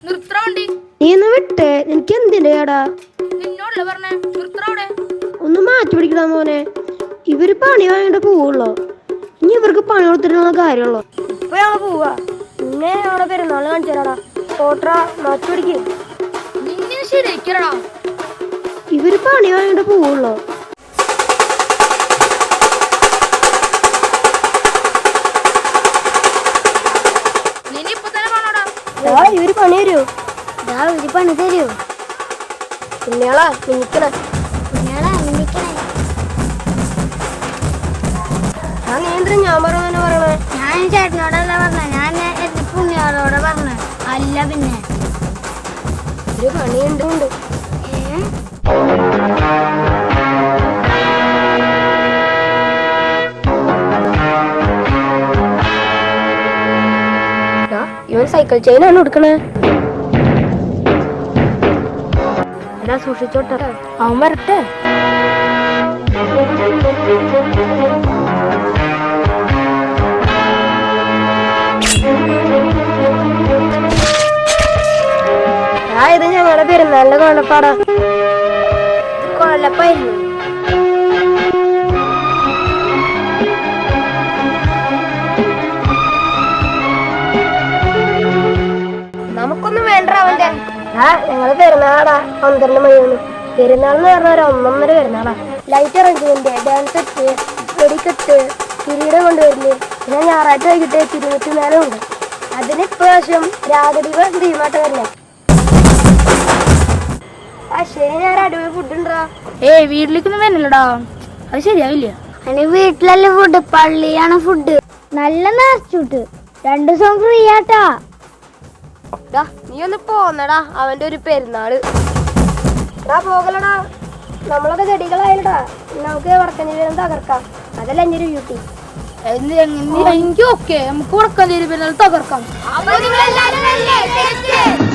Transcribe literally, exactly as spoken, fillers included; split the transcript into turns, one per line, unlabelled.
നീ ഒന്ന് വിട്ടേ, എനിക്ക് എന്തിന്റെ കേടാ? ഒന്ന് മാറ്റി പിടിക്കടാ മോനെ. ഇവര് പണി വാങ്ങിട്ട് പോവുള്ളോ? ഇനി ഇവർക്ക് പണി കൊടുത്തിട്ടുള്ള കാര്യമുള്ളോ? ഇപ്പൊ ഞങ്ങള് പോവാ. പിന്നെ ഞങ്ങളെ പെരുന്നാള് കാണിച്ചു തരാടാ. ഓട്ടറാ, മാറ്റി പിടിക്ക്. ഇവര് പണി വാങ്ങിട്ട് പോവുള്ളോ? ഇവര് പണി തരൂ. ഇവര് പണി തരൂ. കുഞ്ഞാളാ മിനിക്കണേ. കുഞ്ഞാളാ മിനിക്കണേ. ആ നീന്തരം ഞാൻ പറഞ്ഞു പറയണേ. ഞാൻ ചേട്ടനോടല്ല പറഞ്ഞ, ഞാൻ പുണ്യാളോടെ പറഞ്ഞ. അല്ല പിന്നെ ഒരു പണിയുണ്ട്. ഇവൻ സൈക്കിൾ ചെയിനാണ് കൊടുക്കണേ. എടാ സൂക്ഷിച്ചോട്ടെ, അവൻ വരട്ടെ. ആ ഇത് ഞങ്ങളുടെ പെരുന്നാളിന്റെ കൊഴപ്പാടാ. കൊഴപ്പായിരുന്നു. നമുക്കൊന്നും വേണ്ട അവന്റെ. ആ ഞങ്ങള് പെരുന്നാളാടാ. പന്ത്രണ്ട് മണിയാണ് പെരുന്നാളെന്ന് പറഞ്ഞ ഒരു ഒന്നൊന്നര പെരുന്നാളാ. ലൈറ്റ് അറേഞ്ച്മെന്റ്, ഡാൻസ് സെറ്റ്, വെടിക്കെട്ട്, കിരീടം കൊണ്ടുവരില്ലേ. പിന്നെ ഞായറാഴ്ച വൈകിട്ട് തിരുവത്തി മേലും ഉണ്ട്. അതിന് ഇപ്രാവശ്യം രാഗദീപ തീമാട്ടം വരില്ല. ആ ശരി, ഞാൻ അടിപൊളി ഫുഡ് ഉണ്ടാ.
ഏയ് വീട്ടിലേക്കൊന്നും വരുന്നില്ലടാ, അത് ശരിയാവില്ല.
അതിന് വീട്ടിലല്ലേ ഫുഡ്, പള്ളിയാണ് ഫുഡ്. നല്ല നാച്ചുട്ട് രണ്ടു ദിവസം ഫ്രീ ആട്ടാ. നീ ഒന്ന് പോന്നടാ, അവന്റെ ഒരു പെരുന്നാള്. എടാ പോകലടാ, നമ്മളൊക്കെ ചെടികളായില്ലടാ. നമുക്ക് വടക്കഞ്ചേരി തകർക്കാം. അതല്ല എന്റെ ഒരു ബ്യൂട്ടി.
എനിക്ക് ഓക്കെ, നമുക്ക് വടക്കഞ്ചേരി പെരുന്നാൾ തകർക്കാം.